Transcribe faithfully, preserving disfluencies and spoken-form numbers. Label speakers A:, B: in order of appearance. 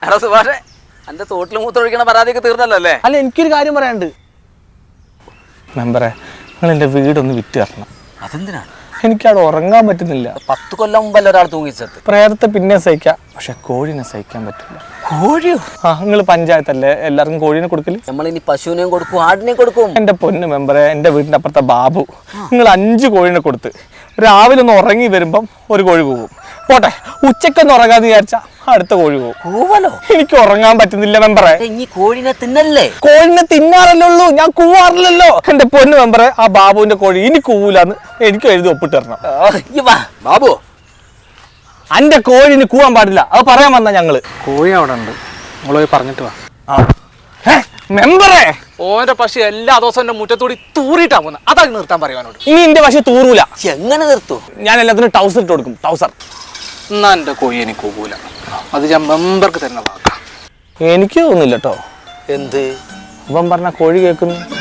A: എടാ സുഭാഷേ, എന്റെ തോട്ടിൽ മൂത്തൊഴിക്കണ പരാതിയൊക്കെ തീർന്നല്ലോ അല്ലേ?
B: അല്ല, എനിക്കൊരു കാര്യം പറയാനുണ്ട് മെമ്പറെ. നിങ്ങൾ എൻ്റെ വീടൊന്ന് വിറ്റ് തരണം.
A: അതെന്തിനാണ്?
B: എനിക്കവിടെ ഉറങ്ങാൻ പറ്റുന്നില്ല.
A: പത്ത് കൊല്ലം മുമ്പല്ല ഒരാൾ തൂങ്ങിച്ചത്.
B: പ്രേതത്തെ പിന്നെ സഹിക്കാം, പക്ഷെ കോഴിനെ സഹിക്കാൻ പറ്റില്ല.
A: കോഴിയോ?
B: ആ, നിങ്ങൾ പഞ്ചായത്തല്ലേ എല്ലാവർക്കും കോഴീനെ കൊടുക്കല്?
A: നമ്മളിനി പശുവിനെയും കൊടുക്കും, ആടിനെയും കൊടുക്കും.
B: എൻ്റെ പൊന്ന് മെമ്പറെ, എൻ്റെ വീടിൻ്റെ അപ്പുറത്തെ ബാബു നിങ്ങൾ അഞ്ച് കോഴീനെ കൊടുത്ത് രാവിലെ ഒന്ന് ഉറങ്ങി വരുമ്പം ഒരു കോഴി പോകും. പോട്ടെ, ഉച്ചക്കൊന്ന് ഉറങ്ങാന്ന് വിചാരിച്ചാ അടുത്ത കോഴി പോകും.
A: കൂവലോ?
B: എനിക്ക് ഉറങ്ങാൻ പറ്റുന്നില്ല മെമ്പറെ.
A: ഈ കോഴിനെ തിന്നല്ലേ?
B: കോഴിനെ തിന്നാറല്ലേ ഉള്ളൂ, ഞാൻ കൂവാറില്ലല്ലോ. എന്റെ പൊന്ന് മെമ്പറെ, ആ ബാബുവിന്റെ കോഴി ഇനി കൂവൂലാന്ന് എനിക്ക് എഴുതി ഒപ്പിട്ട് തരണം.
A: ബാബു,
B: എന്റെ കോഴിന് കൂവാൻ പാടില്ല, അത് പറയാൻ വന്ന ഞങ്ങള്.
C: കോഴി അവിടെ ഉണ്ട്, നമ്മള് പറഞ്ഞിട്ട് വാ.
B: മെമ്പറെ,
C: ഓന്റെ പശു എല്ലാ ദിവസവും എന്റെ മുറ്റത്തൂടി തൂറിയിട്ടാ പോകുന്നത്, അതാക്കി നിർത്താൻ പറയുവാനോട്.
B: ഇനി എന്റെ പശു തൂറൂല.
A: എങ്ങനെ നിർത്തൂ?
B: ഞാൻ എല്ലാത്തിനും ടൗസർ ഇട്ട് കൊടുക്കും. ടൗസർ
C: എന്നാ എന്റെ കോഴി എനിക്ക് കൂകൂല, അത് ഞാൻ മെമ്പർക്ക് തരുന്ന വാക്കാം.
B: എനിക്ക് തോന്നുന്നില്ല കേട്ടോ.
A: എന്ത്
B: ഇവൻ പറഞ്ഞ കോഴി കേൾക്കുന്നു.